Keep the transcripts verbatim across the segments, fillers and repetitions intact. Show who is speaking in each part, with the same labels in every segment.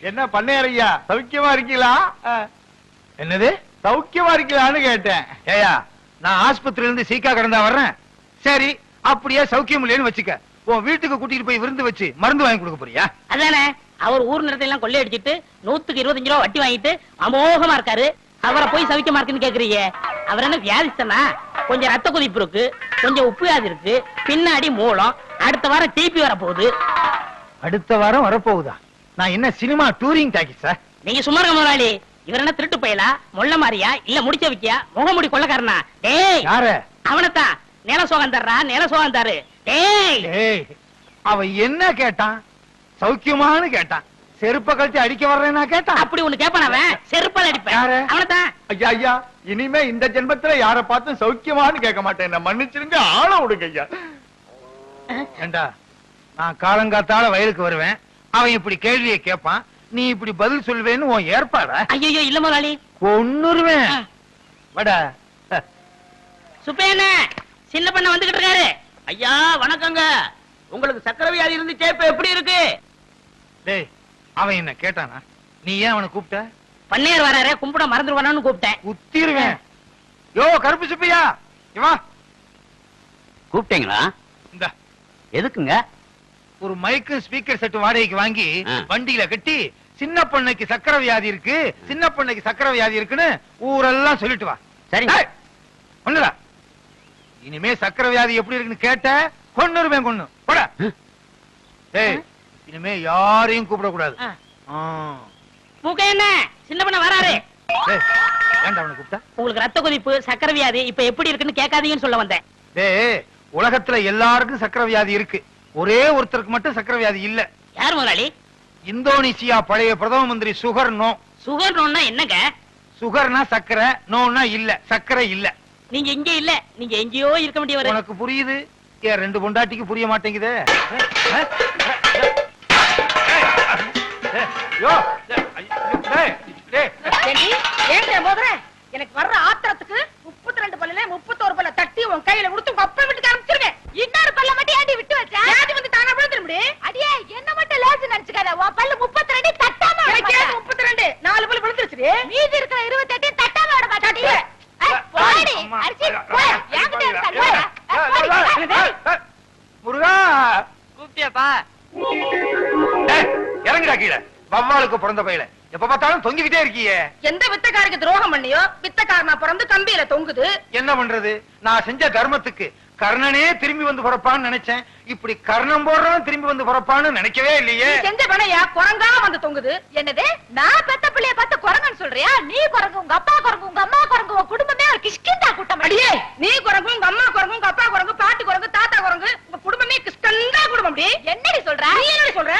Speaker 1: என்ன பண்ணையா சௌக்கியமா இருக்கீங்களா?
Speaker 2: என்னது
Speaker 1: சௌக்கியமா இருக்கீங்களான்னு கேட்டேன்.
Speaker 2: ஏயா நான் ஆஸ்பத்திரியில இருந்து சீக்கா கடந்தா வர்றேன். சரி அப்படியே சௌக்கியம் இல்லைன்னு வச்சுக்க, உன் வீட்டுக்கு கூட்டிட்டு போய் விருந்து வச்சு மருந்து வாங்கி கொடுக்க போறியா?
Speaker 3: அதானே அவர் ஊர் நிலத்தை எல்லாம் கொள்ளை அடிச்சிட்டு நூத்துக்கு இருபத்தஞ்சு ரூபா வட்டி வாங்கிட்டு அமோகமா இருக்காரு. அவரை போய் சௌக்கியமா இருக்குன்னு கேக்குறீங்க. அவர் என்ன வியாதிஸ்தனா? கொஞ்சம் ரத்த கொதிப்பு இருக்கு, கொஞ்சம் உப்பு வியாதி இருக்கு, பின்னாடி மூலம். அடுத்த வாரம் டிபி வர போகுது.
Speaker 2: அடுத்த வாரம் வரப்போகுதா? நான் என்ன சினிமா டூரிங் டாக்கிஸா?
Speaker 3: நீங்க சும்மா இருக்க முதலாளி. இவர் என்ன திருட்டு பயலா, மொள்ள மாறியா, இல்ல முடிச்ச வைக்கியா, முகமுடி கொள்ளக்காரனா? டேய்
Speaker 2: யாரு?
Speaker 3: அவனத்தான். நில சோகம் தர்றா, நில சோகம் தரு. டேய்
Speaker 2: ஏய் அவ என்ன கேட்டான்? சௌக்கியமானு கேட்டான். செருப்ப கழிச்சு அடிக்க வர்றேன்னா கேட்டான்.
Speaker 3: அப்படி ஒண்ணு கேப்பான் அவன். செருப்பால் அடிப்பேன். அவனத்தான்.
Speaker 1: ஐயா ஐயா இனிமே இந்த ஜென்மத்துல யார பார்த்தும் சௌக்கியமான்னு கேட்க மாட்டேன். என்ன மன்னிச்சிருங்க, ஆள விடுங்க ஐயா.
Speaker 2: ஏண்டா நான் காலங்காத்தால வயலுக்கு வருவேன், அவன் இப்படி கேள்வியை கேட்பான், நீ இப்படி பதில் சொல்வேன்னு உன் ஏற்பாடா?
Speaker 3: ஐயோ இல்ல முதலாளி,
Speaker 2: கொன்னுருவேன். வடா
Speaker 3: சுப்பேன சின்ன பண்ண வந்துகிட்டு இருக்காரு.
Speaker 4: ஐயா வணக்கங்க. உங்களுக்கு சக்கரை வியாதி இருந்துச்சே, இப்ப எப்படி இருக்கு?
Speaker 2: டேய் அவன் என்ன கேட்டானா? நீ ஏன் அவனை கூப்பிட்ட?
Speaker 3: பன்னீர் வராரு, கும்பிட மறந்துடுவானு கூப்பிட்டேன்.
Speaker 2: குத்திருவேன். யோ கருப்பு சுப்பையா, இவா
Speaker 4: கூப்பிட்டீங்களா?
Speaker 2: இந்த
Speaker 4: எதுக்குங்க?
Speaker 2: ஒரு மைக்கு ஸ்பீக்கர் செட் வாடகைக்கு வாங்கி வண்டியில கட்டி சின்ன பொண்ணுக்கு சக்கரை வியாதி இருக்கு, சின்ன பொண்ணுக்கு சக்கரை வியாதி இருக்குன்னு ஊரெல்லாம் சொல்லிட்டு வா.
Speaker 4: சரிங்க.
Speaker 2: ஒண்ணுடா, இனிமே சக்கரை வியாதி எப்படி இருக்குன்னு கேட்ட கொன்னுருவேன். கொன்னு போட. ஏய் இனிமே யாரையும் கூப்பிடக்கூடாது.
Speaker 3: மூக்க என்ன சின்ன பண்ண வராரு.
Speaker 2: ஏன்டா அவனை கூப்பிட்ட?
Speaker 3: உங்களுக்கு ரத்த கொதிப்பு, சக்கரை வியாதி இப்ப எப்படி இருக்குன்னு கேட்காதீங்கன்னு சொல்ல வந்தேன்.
Speaker 2: டேய் உலகத்துல எல்லாருக்கும் சக்கரை வியாதி இருக்கு, ஒரே ஒருத்தருக்கு மட்டும் சக்கரை வியாதி இல்ல.
Speaker 3: யார் முதலாளி?
Speaker 2: இந்தோனேசியா பழைய பிரதம மந்திரி சுகர் நோ.
Speaker 3: சுகர் நோன்னா என்னங்க?
Speaker 2: சுகர்னா சக்கரை, நோன்னா இல்ல, சக்கரை இல்ல.
Speaker 3: நீங்க இங்க இல்ல, நீங்க எங்கேயோ இருக்க வேண்டியவர்.
Speaker 2: உனக்கு புரியுது, ஏன் ரெண்டு பொண்டாட்டிக்கு புரிய மாட்டேங்குதே?
Speaker 5: எனக்கு வர்ற ஆத்திரத்துக்கு முப்பத்தி ரெண்டு பல்ல முப்பத்தோரு பல்ல தட்டி உன் கையில கொடுத்து உங்க அப்பா வீட்டுக்கு அனுப்பிச்சிருக்கேன். இன்னொரு பல்ல மட்டும் ஏண்டி விட்டு வச்சா? ஏண்டி வந்து தானா விழுந்துட முடியும்? அடியே என்ன மட்டும் லேசு நினைச்சுக்காத. உன் பல்ல முப்பத்தி ரெண்டு தட்டாம எனக்கு முப்பத்தி ரெண்டு நாலு பல்ல விழுந்துருச்சு. மீதி இருக்கிற இருபத்தி எட்டு தட்டாம விட மாட்டாடி. போடி அரிசி போய் என்கிட்ட இருக்க.
Speaker 2: முருகா
Speaker 4: கூப்பிட்டியாப்பா?
Speaker 2: இறங்குடா கீழே. வவ்வாலுக்கு பிறந்த பையில எப்ப பார்த்தாலும் தொங்கிக்கிட்டே இருக்கியே.
Speaker 5: எந்த வித்தக்காரருக்கு துரோகம் பண்ணியோ வித்தக்காரனா பிறந்து கம்பியில தொங்குது.
Speaker 2: என்ன பண்றது? நான் செஞ்ச தர்மத்துக்கு கர்ணனே திரும்பி வந்து பிறப்பான்னு நினைச்சேன். இப்படி கர்ணம் போடுறவன் திரும்பி வந்து பிறப்பான்னு நினைக்கவே இல்லையே.
Speaker 5: செஞ்ச பணையா குரங்கா வந்து தொங்குது. என்னது நான் பெத்த பிள்ளைய பார்த்து குரங்குன்னு சொல்றியா? நீ குரங்கு, உங்க அப்பா குரங்கு, உங்க அம்மா குரங்கு, உங்க குடும்பமே ஒரு கிஷ்கிந்தா கூட்டம். அடியே நீ குரங்கு, உங்க அம்மா குரங்கு, உங்க அப்பா குரங்கு, பாட்டி குரங்கு, தாத்தா குரங்கு, உங்க குடும்பமே கிஷ்கந்தா குடும்பம். அப்படி என்னடி சொல்ற? நீ என்னடி சொல்ற?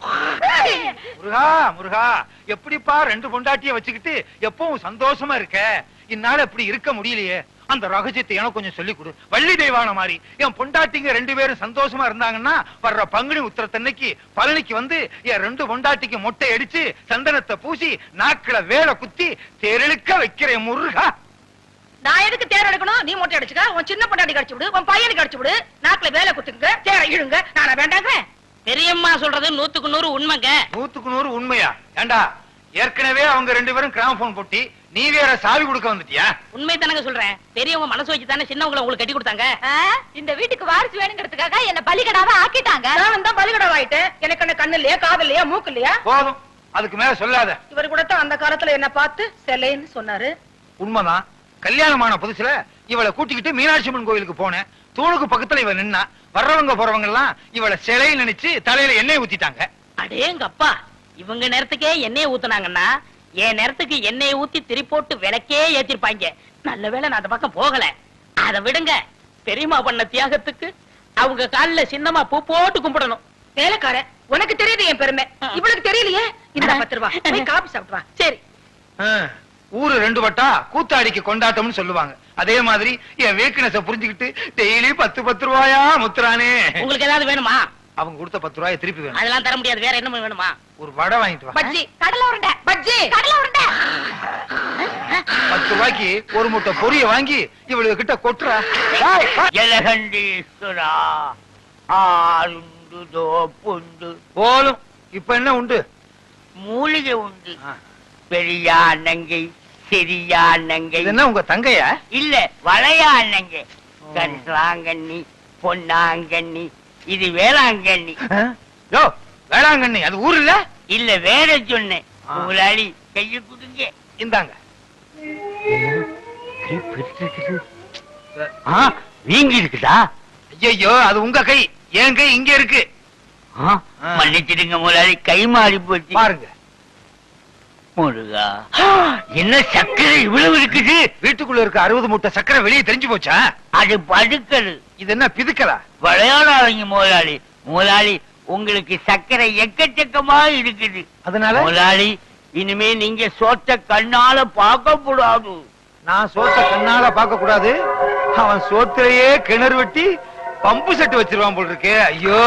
Speaker 2: முருகா முருகா, எப்படிப்பா ரெண்டு பொண்டாட்டிய வச்சுக்கிட்டு எப்பவும் சந்தோஷமா இருக்க? இந்நாள் இப்படி இருக்க முடியலையே. அந்த ரகசியத்தை எனக்கு கொஞ்சம் சொல்லி கொடு. வள்ளி தெய்வான மாதிரி என் பொண்டாட்டிங்க ரெண்டு பேரும் சந்தோஷமா இருந்தாங்கன்னா வர்ற பங்குனி உத்திரத்தன்னைக்கு பழனிக்கு வந்து என் ரெண்டு பொண்டாட்டிக்கு மொட்டை அடிச்சு சந்தனத்தை பூசி நாக்குல வேலை குத்தி தெருளுக்க வைக்கிறேன் முருகா.
Speaker 5: நான் எதுக்கு தேர் எடுக்கணும்? நீ மொட்டை அடிச்சுக்க, உன் சின்ன பொண்டாட்டி கடிச்சு விடு, உன் பையனுக்கு கடிச்சு விடு, நாக்குல வேலை குத்துங்க, தேரை இழுங்க. நானா வேண்டாங்க?
Speaker 3: பெரியம்மா சொல்றது நூத்துக்கு நூறு உண்மைங்க.
Speaker 2: நூத்துக்கு நூறு உண்மையா? ஏண்டா ஏற்கனவே அவங்க ரெண்டு பேரும் கிராமபோன் போட்டி, நீ வேற சாவி கொடுக்க வந்துட்டியா?
Speaker 3: உண்மை தானங்க சொல்றேன். பெரியவங்க மனசு வச்சு தானே சின்னவங்களை உங்களுக்கு கட்டி கொடுத்தாங்க.
Speaker 5: இந்த வீட்டுக்கு வாரிசு வேணுங்கிறதுக்காக என்ன பலிகடாவா ஆக்கிட்டாங்க. நான் தான் பலிகடாவா ஆயிட்டேன். எனக்கு என்ன கண்ணு இல்லையா, காது இல்லையா, மூக்கு இல்லையா?
Speaker 2: போதும், அதுக்கு மேல சொல்லாத.
Speaker 5: இவர் கூட தான் அந்த காலத்துல என்ன பார்த்து செல்லைன்னு சொன்னாரு.
Speaker 2: உண்மைதான். கல்யாணமான புதுசுல இவளை கூட்டிக்கிட்டு மீனாட்சி அம்மன் கோயிலுக்கு போனேன். தூணுக்கு பக்கத்துல இவ நின்னா, வர்றவங்க போறவங்க எல்லாம் இவளை சிலை நினைச்சு தலையில எண்ணெய் ஊத்திட்டாங்க.
Speaker 3: அடேங்க அப்பா, இவங்க நேரத்துக்கே எண்ணெய் ஊத்துனாங்கன்னா என் நேரத்துக்கு எண்ணெய் ஊத்தி திரி போட்டு விளக்கே ஏத்திருப்பாங்க. நல்ல வேளை நான் அந்த பக்கம் போகல. அதை விடுங்க, பெரியமா பண்ண தியாகத்துக்கு அவங்க காலில சின்னமா பூ போட்டு கும்பிடணும்.
Speaker 5: வேலைக்கார உனக்கு தெரியுது என் பெருமை, இவளுக்கு தெரியலையே. இந்த பத்து ரூபா காபி சாப்பிடுவா. சரி,
Speaker 2: ஊரு ரெண்டு வட்டா கூத்தாடிக்கு கொண்டாட்டம்னு சொல்லுவாங்க. அதே மாதிரி என் வீக்னஸ புரிஞ்சுக்கிட்டு டெய்லி பத்து பத்து ரூபாயா முத்துறானே.
Speaker 3: உங்களுக்கு ஏதாவது வேணுமா?
Speaker 2: அவங்க கொடுத்த பத்து ரூபாய் திருப்பி வேணும்.
Speaker 3: அதெல்லாம் தர முடியாது. வேற என்ன வேணுமா?
Speaker 2: ஒரு வடை வாங்கிட்டு வா.
Speaker 5: பஜ்ஜி, கடலை உருண்டை, பஜ்ஜி, கடலை உருண்டை.
Speaker 2: பத்து ரூபாய்க்கு ஒரு முட்டை பொரிய வாங்கி இவளுக்கு கிட்ட கொட்டுறா.
Speaker 4: ஜலகண்டீஸ்வரா ஆருண்டு புண்டு
Speaker 2: போலும். இப்ப என்ன உண்டு?
Speaker 4: மூலிகை உண்டு. பெரியா நங்கை, சிறியா நங்கை.
Speaker 2: என்ன உங்க தங்கையா?
Speaker 4: இல்ல, வளையா நங்கை. கரிசலாங்கண்ணி, பொன்னாங்கண்ணி, இது வேளாங்கண்ணி.
Speaker 2: யோ, வேளாங்கண்ணி அது ஊர் இல்ல?
Speaker 4: இல்ல, வேற சொன்னேன். முதலாளி கைய கொடுங்க.
Speaker 2: இந்தாங்க.
Speaker 4: வீங்கி இருக்குதா?
Speaker 2: ஐயோ, அது உங்க கை, என் கை இங்க இருக்கு.
Speaker 4: மன்னிச்சிடுங்க முதலாளி, கை மாறி போச்சு.
Speaker 2: பாருங்க.
Speaker 4: முருகா, என்ன சக்கரை இவ்வளவு இருக்குது?
Speaker 2: வீட்டுக்குள்ள இருக்க அறுபது மூட்டை சக்கரை வெளியே தெரிஞ்சு போச்சா?
Speaker 4: அது படுக்கல்.
Speaker 2: இது என்ன பிதுக்கலா?
Speaker 4: விளையாடாதீங்க முதலாளி. முதலாளி, உங்களுக்கு சக்கரை எக்கச்சக்கமா இருக்குது.
Speaker 2: அதனால
Speaker 4: முதலாளி, இனிமே நீங்க சோத்த கண்ணால பார்க்க கூடாது.
Speaker 2: நான் சோத்த கண்ணால பார்க்க கூடாது. அவன் சோத்திலேயே கிணறு வெட்டி பம்பு செட்டு வச்சிருவான் போல் இருக்கே. ஐயோ,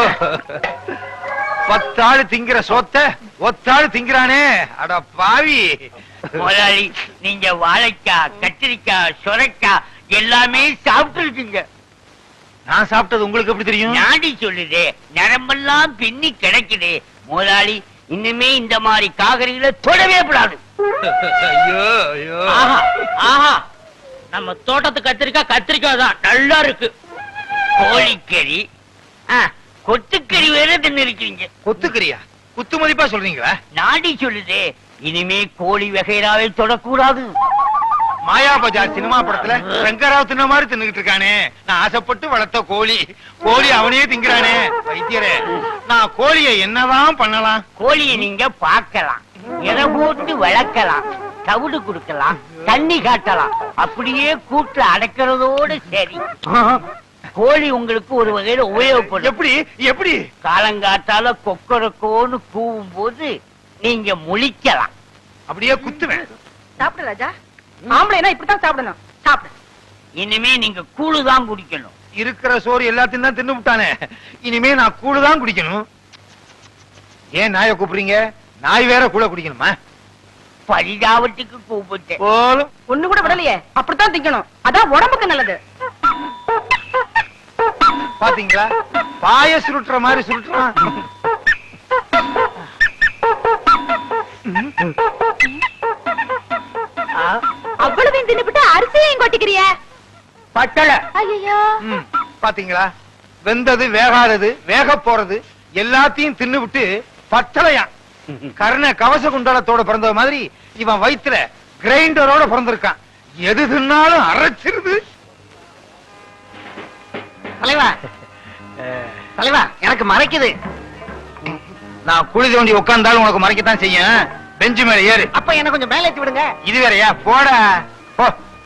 Speaker 2: பத்தாள் திங்கிற சோத்த ஒத்தாள் திங்கிறானே, அட பாவி.
Speaker 4: முதலாளி, நீங்க வாழைக்காய், கத்திரிக்காய், சுரைக்காய் எல்லாமே சாப்பிட்டு இருக்கீங்க.
Speaker 2: நான் சாப்பிட்டது உங்களுக்கு எப்படி தெரியும்?
Speaker 4: நாடி சொல்லுதே, நரம்பெல்லாம் பின்னி கிடைக்குது. முதலாளி, இனிமே இந்த மாதிரி காகரிகளை தொடவே கூடாது.
Speaker 2: ஐயோ ஐயோ.
Speaker 3: ஆஹா ஆஹா, நம்ம தோட்டத்து கத்திரிக்காய் கத்திரிக்காய் தான் நல்லா இருக்கு.
Speaker 4: கோழிக்கறி, ஆ, கொத்துக்கறி வேற தின்னு இருக்கீங்க.
Speaker 2: கொத்துக்கறியா? குத்து மதிப்பா சொல்றீங்களா?
Speaker 4: நாடி சொல்லுதே, இனிமே கோழி வகைராவை தொடக்கூடாது.
Speaker 2: மாயா பஜார் சினிமா படத்துல ரங்கராவ் தின்ன மாதிரி தின்னுகிட்டு இருக்கானே. நான் ஆசைப்பட்டு வளர்த்த கோழி, கோழி அவனே திங்கிறானே. வைத்தியரே, நான் கோழியை என்னதான் பண்ணலாம்?
Speaker 4: கோழியை நீங்க பார்க்கலாம், எதை போட்டு வளர்க்கலாம், தவிடு கொடுக்கலாம், தண்ணி காட்டலாம். அப்படியே கூட்டு அடைக்கிறதோடு சரி. கோழி உங்களுக்கு ஒரு வகையில உபயோகப்படும்.
Speaker 2: எப்படி எப்படி?
Speaker 4: காலங்காத்தால கொக்கரக்கோன்னு கூவும் போது நீங்க முழிக்கலாம்.
Speaker 2: அப்படியே குத்துவேன்.
Speaker 5: சாப்பிடு ராஜா. ஆம்பளைனா இப்படித்தான் சாப்பிடணும். சாப்பிடு.
Speaker 4: இனிமே நீங்க கூழுதான் குடிக்கணும்.
Speaker 2: இருக்கிற சோறு எல்லாத்தையும் தான் தின்னு விட்டானே. இனிமே நான் கூழுதான் குடிக்கணும். ஏன் நாயை கூப்பிடுறீங்க? நாய் வேற கூட குடிக்கணுமா?
Speaker 4: பரிதாபத்துக்கு கூப்பிட்டேன்.
Speaker 2: போலும்
Speaker 5: ஒண்ணு கூட விடலையே. அப்படித்தான் திங்கணும், அதான் உடம்புக்கு நல்லது.
Speaker 2: பாத்தீங்களா, பாய சுருட்டுற மாதிரி சுருட்டுறான்.
Speaker 5: அவ்வளவு தின்னுபிட்டு அரிசியையும் கொட்டிக்கிறிய.
Speaker 2: பட்டளை.
Speaker 5: ஐயோ,
Speaker 2: ம், பாத்தீங்களா, வெந்தது வேகாதது வேக போறது எல்லாத்தையும் தின்னு விட்டு பட்டளையா. கர்ண கவச குண்டலத்தோட பிறந்த மாதிரி இவன் வயிற்றுல கிரைண்டரோட பிறந்திருக்கான். எது தின்னாலும் அரைச்சிருது.
Speaker 4: தலைவா, தலைவா, எனக்கு மறைக்குது.
Speaker 2: நான் குழி தோண்டி உட்கார்ந்தாலும் உனக்கு மறைக்கத்தான் செய்யும். பெஞ்சு மேல ஏறு.
Speaker 4: அப்ப என்ன கொஞ்சம் மேலே ஏத்தி விடுங்க.
Speaker 2: இது வேறயா? போடா போ.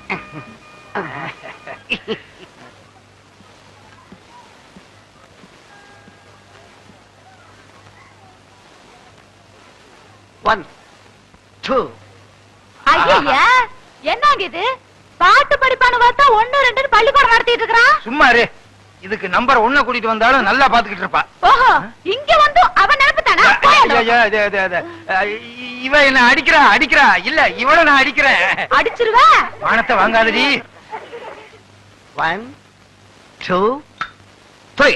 Speaker 4: One two.
Speaker 5: ஐயா, என்னங்க இது? பாட்டு படிப்பான்னு பார்த்தா ஒண்ணு ரெண்டு பள்ளிக்கூடம் நடத்திட்டு இருக்கிறான்.
Speaker 2: சும்மா இரு. இதுக்கு நம்பர் ஒண்ண கூட்டிட்டு வந்தாலும் நல்லா பாத்துக்கிட்டு இருப்பா.
Speaker 5: ஓஹோ, இங்க வந்து அவன் நினைப்புதானா?
Speaker 2: ஐயா, இது, இது, இது. இவ என்ன அடிக்கிறா அடிக்கிறா இல்ல இவள நான் அடிக்கிறேன்.
Speaker 5: அடிச்சிருவ.
Speaker 2: வானத்தை வாங்காதடி.
Speaker 4: One two three.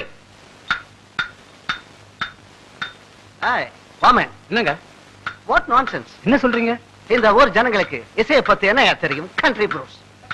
Speaker 4: Hi Vaman.
Speaker 2: என்னங்க?
Speaker 4: What nonsense.
Speaker 2: என்ன சொல்றீங்க?
Speaker 4: இந்த ஊர் ஜனங்களுக்கு இசையை பத்தி என்ன தெரியும்? Country blues.